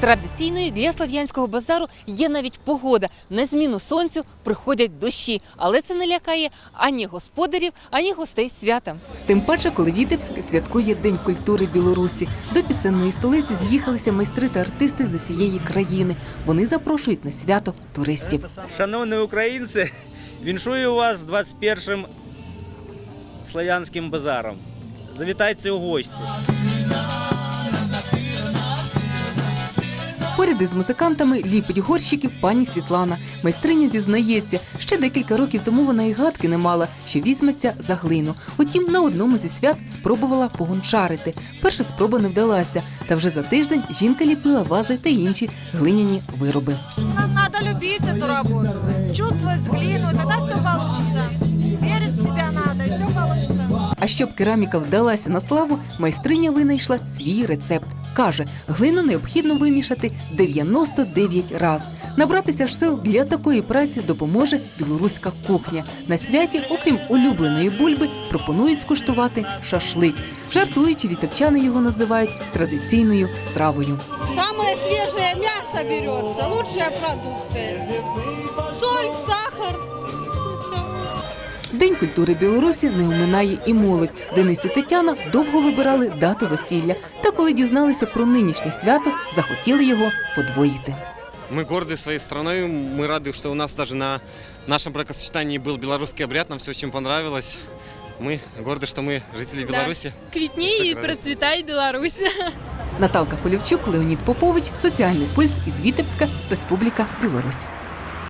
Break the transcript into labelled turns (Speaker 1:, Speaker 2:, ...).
Speaker 1: Традиційною для Слов'янського базару є навіть погода. На зміну сонцю приходять дощі. Але це не лякає ані господарів, ані гостей свята. Тим паче, коли Вітебськ святкує День культури Білорусі. До пісенної столиці з'їхалися майстри та артисти з усієї країни. Вони запрошують на свято туристів.
Speaker 2: Шановні українці, віншую вас з 21-м Слов'янським базаром. Завітайте у гості.
Speaker 1: Поряд із музикантами ліпить горщиків пані Світлана. Майстриня зізнається, ще декілька років тому вона і гадки не мала, що візьметься за глину. Утім, на одному зі свят спробувала погончарити. Перша спроба не вдалася, та вже за тиждень жінка ліпила вази та інші глиняні вироби.
Speaker 3: Нам треба любити цю роботу, чувствувати глину, і тоді все вийде. Вірити в себе треба, і все вийде.
Speaker 1: А щоб кераміка вдалася на славу, майстриня винайшла свій рецепт. Каже, глину необхідно вимішати 99 разів. Набратися ж сил для такої праці допоможе білоруська кухня. На святі, окрім улюбленої бульби, пропонують скуштувати шашлик. Жартуючи, вітебчани його називають традиційною стравою.
Speaker 4: Самое свежее мясо берется, лучшие продукты. Соль, сахар. И все.
Speaker 1: День культури Білорусі не оминає і молодь. Денис і Тетяна довго вибирали дату весілля. Та коли дізналися про нинішнє свято, захотіли його подвоїти.
Speaker 5: Мы горды своей страной, мы рады, что у нас даже на нашем бракосочетании был белорусский обряд, нам все очень понравилось. Мы горды, что мы жители Беларуси.
Speaker 6: Квітніє і процвітає Білорусь.
Speaker 1: Наталка Фолівчук, Леонід Попович, Соціальний пульс із Вітебська, Республіка Білорусь.